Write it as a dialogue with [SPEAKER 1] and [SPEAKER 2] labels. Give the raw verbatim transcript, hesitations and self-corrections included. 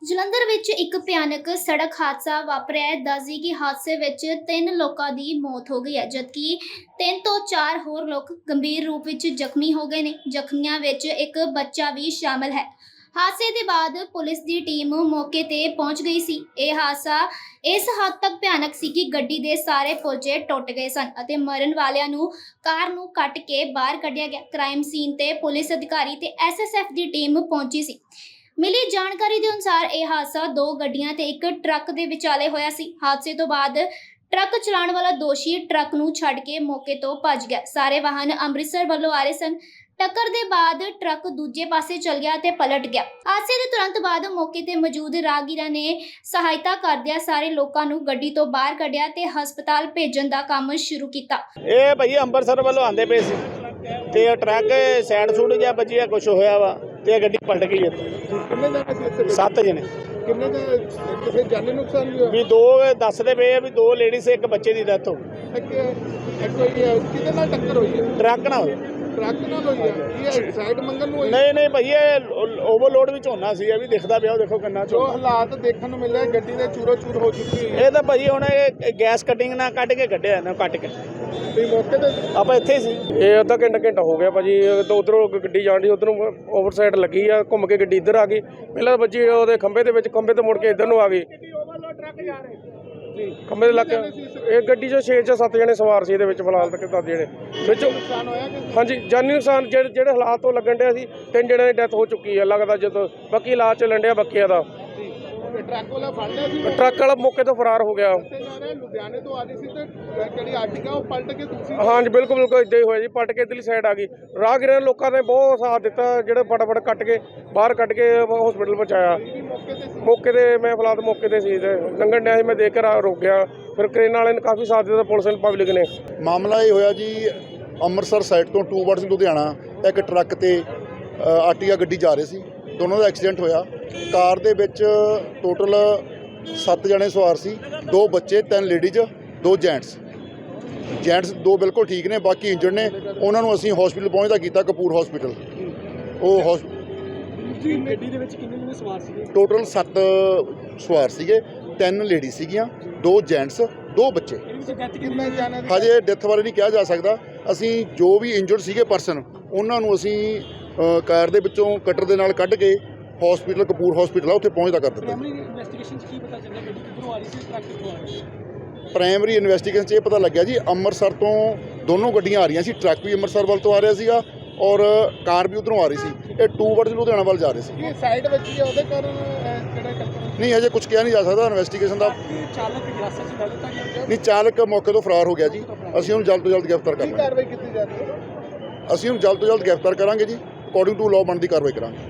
[SPEAKER 1] ਜਲੰਧਰ ਵਿੱਚ ਇੱਕ ਭਿਆਨਕ ਸੜਕ ਹਾਦਸਾ ਵਾਪਰਿਆ ਹੈ। ਦੱਸਦੀ ਕਿ ਹਾਦਸੇ ਵਿੱਚ ਤਿੰਨ ਲੋਕਾਂ ਦੀ ਮੌਤ ਹੋ ਗਈ ਹੈ, ਜਦਕਿ ਤਿੰਨ ਤੋਂ ਚਾਰ ਹੋਰ ਲੋਕ ਗੰਭੀਰ ਰੂਪ ਵਿੱਚ ਜ਼ਖਮੀ ਹੋ ਗਏ ਨੇ। ਜ਼ਖਮੀਆਂ ਵਿੱਚ ਇੱਕ ਬੱਚਾ ਵੀ ਸ਼ਾਮਲ ਹੈ। ਹਾਦਸੇ ਦੇ ਬਾਅਦ ਪੁਲਿਸ ਦੀ ਟੀਮ ਮੌਕੇ ਤੇ ਪਹੁੰਚ ਗਈ ਸੀ। ਇਹ ਹਾਦਸਾ ਇਸ ਹੱਦ ਤੱਕ ਭਿਆਨਕ ਸੀ ਕਿ ਗੱਡੀ ਦੇ ਸਾਰੇ ਪੁਰਜੇ ਟੁੱਟ ਗਏ ਸਨ ਅਤੇ ਮਰਨ ਵਾਲਿਆਂ ਨੂੰ ਕਾਰ ਨੂੰ ਕੱਟ ਕੇ ਬਾਹਰ ਕੱਢਿਆ ਗਿਆ। ਕ੍ਰਾਈਮ ਸੀਨ ਤੇ ਪੁਲਿਸ ਅਧਿਕਾਰੀ ਤੇ ਐਸ ਐਸ ਐਫ ਦੀ ਟੀਮ ਪਹੁੰਚੀ ਸੀ। ਮਿਲੀ ਜਾਣਕਾਰੀ ਦੇ ਅਨੁਸਾਰ ਇਹ ਹਾਦਸਾ ਦੋ ਗੱਡੀਆਂ ਤੇ ਇੱਕ ਟਰੱਕ ਦੇ ਵਿਚਾਲੇ ਹੋਇਆ ਸੀ। ਹਾਦਸੇ ਤੋਂ ਬਾਅਦ ਟਰੱਕ ਚਲਾਉਣ ਵਾਲਾ ਦੋਸ਼ੀ ਟਰੱਕ ਨੂੰ ਛੱਡ ਕੇ ਮੌਕੇ ਤੋਂ ਭੱਜ ਗਿਆ। ਸਾਰੇ ਵਾਹਨ ਅੰਮ੍ਰਿਤਸਰ ਵੱਲੋਂ ਆ ਰਹੇ ਸਨ। ਟੱਕਰ ਦੇ ਬਾਅਦ ਟਰੱਕ ਦੂਜੇ ਪਾਸੇ ਚਲ ਗਿਆ ਤੇ ਪਲਟ ਗਿਆ। ਹਾਦਸੇ ਦੇ ਤੁਰੰਤ ਬਾਅਦ ਮੌਕੇ ਤੇ ਮੌਜੂਦ ਰਾਹਗੀਰਾਂ ਨੇ ਸਹਾਇਤਾ ਕਰਦਿਆਂ ਸਾਰੇ ਲੋਕਾਂ ਨੂੰ ਗੱਡੀ ਤੋਂ ਬਾਹਰ ਕੱਢਿਆ ਤੇ ਹਸਪਤਾਲ ਭੇਜਣ ਦਾ ਕੰਮ ਸ਼ੁਰੂ ਕੀਤਾ।
[SPEAKER 2] ਇਹ ਭਈ ਅੰਮ੍ਰਿਤਸਰ ਵੱਲੋਂ ਆਂਦੇ ਪਏ ਸੀ ਤੇ ਟਰੱਕ ਸਾਈਡ ਸੂਡ ਜਾਂ ਵੱਜਿਆ ਕੁਝ ਹੋਇਆ ਵਾ ਤੇ ਗੱਡੀ ਪਲਟ ਗਈ।
[SPEAKER 3] ਕਿੰਨੇ ਜਣੇ ਸੀ?
[SPEAKER 2] ਸੱਤ ਜਣੇ।
[SPEAKER 3] ਕਿੰਨੇ ਦੇ ਕਿਸੇ ਜਾਨੀ ਨੁਕਸਾਨ ਵੀ ਹੋਇਆ?
[SPEAKER 2] ਵੀ ਦੋ ਦੱਸਦੇ ਪਏ ਆ ਵੀ ਦੋ ਲੇਡੀਜ਼ ਇੱਕ ਬੱਚੇ ਦੀ ਡੈਥ ਹੋ ਗਈ।
[SPEAKER 3] ਕਿਹਦੇ ਨਾਲ ਟੱਕਰ ਹੋਈ ਹੈ?
[SPEAKER 2] ਟਰੱਕ ਨਾਲ।
[SPEAKER 3] ਟਰੱਕ ਨਾਲ ਹੋਈ ਹੈ? ਇਹ ਸਾਈਡ ਮੰਗਣ ਨੂੰ ਹੋਈ?
[SPEAKER 2] ਨਹੀਂ ਨਹੀਂ ਭਈ ਇਹ ਓਵਰਲੋਡ ਵਿੱਚ ਹੋਣਾ ਸੀ। ਇਹ ਵੀ ਦਿਖਦਾ ਪਿਆ, ਉਹ ਦੇਖੋ ਕਿੰਨਾ
[SPEAKER 3] ਜੋ ਹਾਲਾਤ ਦੇਖਣ ਨੂੰ ਮਿਲਿਆ ਗੱਡੀ ਦੇ ਚੂਰੋ ਚੂਰ ਹੋ ਚੁੱਕੀ ਹੈ।
[SPEAKER 2] ਇਹ ਤਾਂ ਭਈ ਹੁਣ ਇਹ ਗੈਸ ਕਟਿੰਗ ਨਾਲ ਕੱਢ ਕੇ ਕੱਢਿਆ ਨਾ ਕੱਟ ਕੇ
[SPEAKER 3] ਤੇ ਮੌਕੇ ਤੇ
[SPEAKER 2] ਆਪਾਂ ਇੱਥੇ ਸੀ।
[SPEAKER 4] ਇਹ ਅੱਧਾ ਘੰਟਾ ਘੰਟਾ ਹੋ ਗਿਆ ਭਾਜੀ। ਉਧਰੋਂ ਗੱਡੀ ਜਾਣੀ ਉਧਰੋਂ ਓਵਰ ਸਾਈਡ ਲੱਗੀ ਆ, ਘੁੰਮ ਕੇ ਗੱਡੀ ਇੱਧਰ ਆ ਗਈ। ਪਹਿਲਾਂ ਬੱਜੀ ਉਹਦੇ ਖੰਭੇ ਦੇ ਵਿੱਚ, ਖੰਭੇ ਤੋਂ ਮੁੜ ਕੇ ਇੱਧਰ ਨੂੰ ਆ ਗਈ। ਖੰਭੇ ਦੇ ਲੱਗ ਇਹ ਗੱਡੀ 'ਚੋਂ ਛੇ ਜਾਂ ਸੱਤ ਜਣੇ ਸਵਾਰ ਸੀ। ਇਹਦੇ ਵਿੱਚ ਫਿਲਹਾਲ ਤੱਕ ਦਸ ਜਣੇ ਵਿੱਚ
[SPEAKER 3] ਨੁਕਸਾਨ ਹੋਇਆ ਕਿ
[SPEAKER 4] ਹਾਂਜੀ ਜਾਨੀ ਨੁਕਸਾਨ ਜਿਹੜੇ ਜਿਹੜੇ ਹਾਲਾਤ ਤੋਂ ਲੱਗਣ ਡਿਆ ਸੀ। ਤਿੰਨ ਜਣਿਆਂ ਦੀ ਡੈਥ ਹੋ ਚੁੱਕੀ ਹੈ ਲੱਗਦਾ। ਜਦੋਂ ਬਾਕੀ ਇਲਾਜ ਚੱਲਣ ਡਿਆ ਬਾਕੀਆਂ ਦਾ।
[SPEAKER 3] ਟਰੱਕ ਵਾਲਾ ਫੜ ਲਿਆ ਸੀ?
[SPEAKER 4] ਟਰੱਕ ਵਾਲਾ ਮੌਕੇ ਤੋਂ ਫਰਾਰ ਹੋ ਗਿਆ।
[SPEAKER 3] ਲੁਧਿਆਣੇ ਤੋਂ ਆ ਰਹੀ ਸੀ ਤੇ ਜਿਹੜੀ ਆਰਟੀਕਾ ਉਹ ਪਲਟ ਕੇ ਦੂਸਰੀ।
[SPEAKER 4] ਹਾਂਜੀ ਬਿਲਕੁਲ ਬਿਲਕੁਲ ਇੱਦਾਂ ਹੀ ਹੋਇਆ ਜੀ। ਪਲਟ ਕੇ ਇੱਧਰਲੀ ਸਾਈਡ ਆ ਗਈ। ਰਾਹਗੀਰਾਂ ਲੋਕਾਂ ਨੇ ਬਹੁਤ ਸਾਥ ਦਿੱਤਾ, ਜਿਹੜੇ ਫਟਾਫਟ ਕੱਟ ਕੇ ਬਾਹਰ ਕੱਢ ਕੇ ਹਸਪੀਟਲ ਪਹੁੰਚਾਇਆ। ਮੌਕੇ ਤੇ ਮੈਂ ਫਿਲਹਾਲ ਮੌਕੇ ਤੇ ਸੀ ਤੇ ਲੰਘਣ ਡਿਆ ਸੀ, ਮੈਂ ਦੇਖ ਕੇ ਰੁਕ ਗਿਆ। ਫਿਰ ਕ੍ਰੇਨ ਵਾਲੇ ਨੇ ਕਾਫੀ ਸਾਥ ਦਿੱਤਾ, ਪੁਲਿਸ ਪਬਲਿਕ ਨੇ।
[SPEAKER 5] ਮਾਮਲਾ ਇਹ ਹੋਇਆ ਜੀ, ਅੰਮ੍ਰਿਤਸਰ ਸਾਈਡ ਤੋਂ ਟੂ ਵਰਡਸ ਲੁਧਿਆਣਾ ਇੱਕ ਟਰੱਕ ਤੇ ਆਰਟੀਆ ਗੱਡੀ ਜਾ ਰਹੀ ਸੀ। ਦੋਨੋਂ ਦਾ ਐਕਸੀਡੈਂਟ ਹੋਇਆ। ਕਾਰ ਦੇ ਵਿੱਚ ਟੋਟਲ ਸੱਤ ਜਣੇ ਸਵਾਰ ਸੀ, ਦੋ ਬੱਚੇ, ਤਿੰਨ ਲੇਡੀਜ਼, ਦੋ ਜੈਂਟਸ। ਜੈਂਟਸ ਦੋ ਬਿਲਕੁਲ ਠੀਕ ਨੇ, ਬਾਕੀ ਇੰਜਰਡ ਨੇ। ਉਹਨਾਂ ਨੂੰ ਅਸੀਂ ਹਸਪੀਟਲ ਪਹੁੰਚਦਾ ਕੀਤਾ, ਕਪੂਰ ਹਸਪੀਟਲ। ਉਹ ਹਸ
[SPEAKER 3] ਗੱਡੀ ਦੇ ਵਿੱਚ ਕਿੰਨੇ ਜਣੇ ਸਵਾਰ ਸੀਗੇ?
[SPEAKER 5] ਟੋਟਲ ਸੱਤ ਸਵਾਰ ਸੀਗੇ, ਤਿੰਨ ਲੇਡੀ ਸੀਗੀਆਂ, ਦੋ ਜੈਂਟਸ, ਦੋ ਬੱਚੇ।
[SPEAKER 3] ਕਿੰਨੇ ਜਾਣੇ ਦੀ?
[SPEAKER 5] ਹਜੇ ਡੈਥ ਬਾਰੇ ਨਹੀਂ ਕਿਹਾ ਜਾ ਸਕਦਾ। ਅਸੀਂ ਜੋ ਵੀ ਇੰਜਰਡ ਸੀਗੇ ਪਰਸਨ, ਉਹਨਾਂ ਨੂੰ ਅਸੀਂ ਕਾਰ ਦੇ ਵਿੱਚੋਂ ਕਟਰ ਦੇ ਨਾਲ ਕੱਢ ਕੇ ਹਸਪੀਟਲ, ਕਪੂਰ ਹਸਪੀਟਲ ਆ, ਉੱਥੇ ਪਹੁੰਚਦਾ ਕਰ ਦਿੱਤਾ।
[SPEAKER 3] ਪ੍ਰਾਇਮਰੀ ਇਨਵੈਸਟੀਗੇਸ਼ਨ 'ਚ ਕੀ ਪਤਾ ਚੱਲਿਆ ਗੱਡੀ ਕਿੱਧਰੋਂ ਆ ਰਹੀ ਸੀ, ਟਰੱਕ ਕਿੱਥੋਂ ਆ ਰਿਹਾ ਸੀ?
[SPEAKER 5] ਪ੍ਰਾਇਮਰੀ ਇਨਵੈਸਟੀਗੇਸ਼ਨ 'ਚ ਇਹ ਪਤਾ ਲੱਗਿਆ ਜੀ, ਅੰਮ੍ਰਿਤਸਰ ਤੋਂ ਦੋਨੋਂ ਗੱਡੀਆਂ ਆ ਰਹੀਆਂ ਸੀ। ਟਰੱਕ ਵੀ ਅੰਮ੍ਰਿਤਸਰ ਵੱਲ ਤੋਂ ਆ ਰਿਹਾ ਸੀਗਾ ਔਰ ਕਾਰ ਵੀ ਉੱਧਰੋਂ ਆ ਰਹੀ ਸੀ। ਇਹ ਟੂ ਵਰਡਸ ਲੁਧਿਆਣਾ ਵੱਲ ਜਾ ਰਹੇ ਸੀ।
[SPEAKER 3] ਇਹ ਸਾਈਡ ਵਿੱਚ ਹੀ ਉਹਦੇ ਕਾਰਨ ਕਿਹੜਾ ਟੱਕਰ?
[SPEAKER 5] ਨਹੀਂ, ਹਜੇ ਕੁਝ ਕਿਹਾ ਨਹੀਂ ਜਾ ਸਕਦਾ। ਇਨਵੈਸਟੀਗੇਸ਼ਨ ਦਾ
[SPEAKER 3] ਚਾਲਕ ਹਿਰਾਸਤ 'ਚ ਲੈ ਲਿੱਤਾ ਗਿਆ?
[SPEAKER 5] ਨਹੀਂ, ਚਾਲਕ ਮੌਕੇ ਤੋਂ ਫਰਾਰ ਹੋ ਗਿਆ ਜੀ। ਅਸੀਂ ਉਹਨੂੰ ਜਲਦ ਤੋਂ ਜਲਦ ਗ੍ਰਿਫਤਾਰ
[SPEAKER 3] ਕੀ
[SPEAKER 5] ਕਰਾਂਗੇ।
[SPEAKER 3] ਕਾਰਵਾਈ ਕੀਤੀ ਜਾ ਰਹੀ ਹੈ?
[SPEAKER 5] ਅਸੀਂ ਉਹਨੂੰ ਜਲਦ ਤੋਂ ਜਲਦ ਗ੍ਰਿਫਤਾਰ ਕਰਾਂਗੇ ਜੀ। ਅਕੋਰਡਿੰਗ ਟੂ ਲਾਅ ਬਣਦੀ ਕਾਰਵਾਈ ਕਰਾਂਗੇ।